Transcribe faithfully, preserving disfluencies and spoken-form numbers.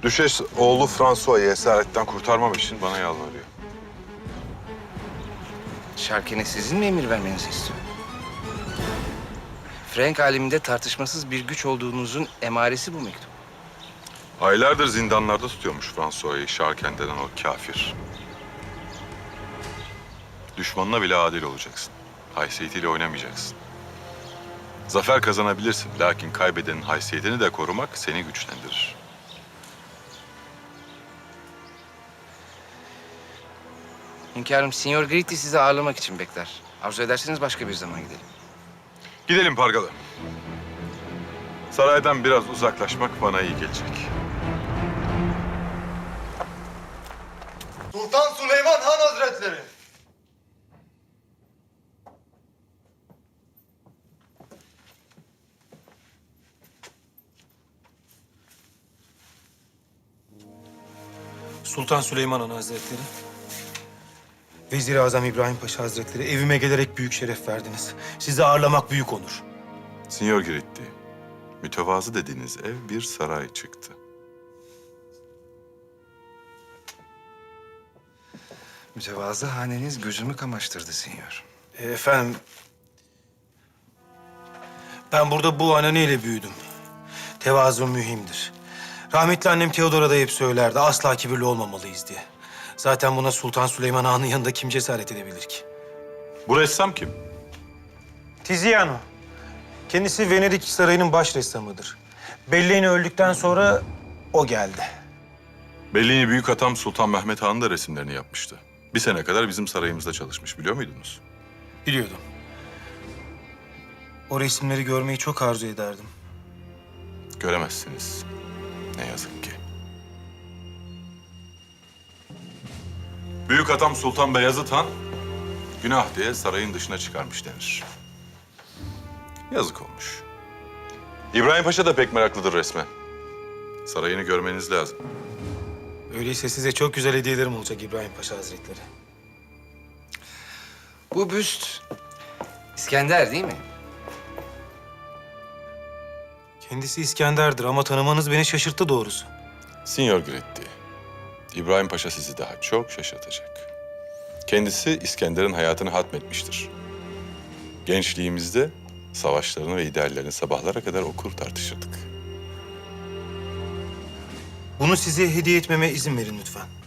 Düşes oğlu François'ı esaretten kurtarmam için bana yalvarıyor. Şarken'e sizin mi emir vermenizi istiyor? Frank aleminde tartışmasız bir güç olduğunuzun emaresi bu mektup. Aylardır zindanlarda tutuyormuş François'ı Şarken denen o kafir. Düşmanına bile adil olacaksın. Haysiyetiyle oynamayacaksın. Zafer kazanabilirsin, lakin kaybedenin haysiyetini de korumak seni güçlendirir. Hünkârım, Signor Gritti sizi ağırlamak için bekler. Arzu ederseniz başka bir zaman gidelim. Gidelim Pargalı. Saraydan biraz uzaklaşmak bana iyi gelecek. Sultan Süleyman Han Hazretleri. Sultan Süleyman Han Hazretleri. Vezir-i Azam İbrahim Paşa Hazretleri, evime gelerek büyük şeref verdiniz. Sizi ağırlamak büyük onur. Signor Giretti, mütevazı dediğiniz ev bir saray çıktı. Mütevazı haneniz gözümü kamaştırdı Signor. E, efendim, ben burada bu ananeyle büyüdüm. Tevazu mühimdir. Rahmetli annem Teodora da hep söylerdi, asla kibirli olmamalıyız diye. Zaten buna Sultan Süleyman Han'ın yanında kim cesaret edebilir ki? Bu ressam kim? Tiziano. Kendisi Venedik Sarayı'nın baş ressamıdır. Bellini öldükten sonra o geldi. Bellini büyük atam Sultan Mehmet Han'ın da resimlerini yapmıştı. Bir sene kadar bizim sarayımızda çalışmış, biliyor muydunuz? Biliyordum. O resimleri görmeyi çok arzu ederdim. Göremezsiniz. Ne yazık ki. Büyük atam Sultan Beyazıt Han, günah diye sarayın dışına çıkarmış denir. Yazık olmuş. İbrahim Paşa da pek meraklıdır resme. Sarayını görmeniz lazım. Öyleyse size çok güzel hediyelerim olacak İbrahim Paşa Hazretleri. Bu büst İskender değil mi? Kendisi İskender'dir ama tanımanız beni şaşırttı doğrusu. Signor Giretti, İbrahim Paşa sizi daha çok şaşırtacak. Kendisi İskender'in hayatını hatmetmiştir. Gençliğimizde savaşlarını ve ideallerini sabahlara kadar okur tartışırdık. Bunu size hediye etmeme izin verin lütfen.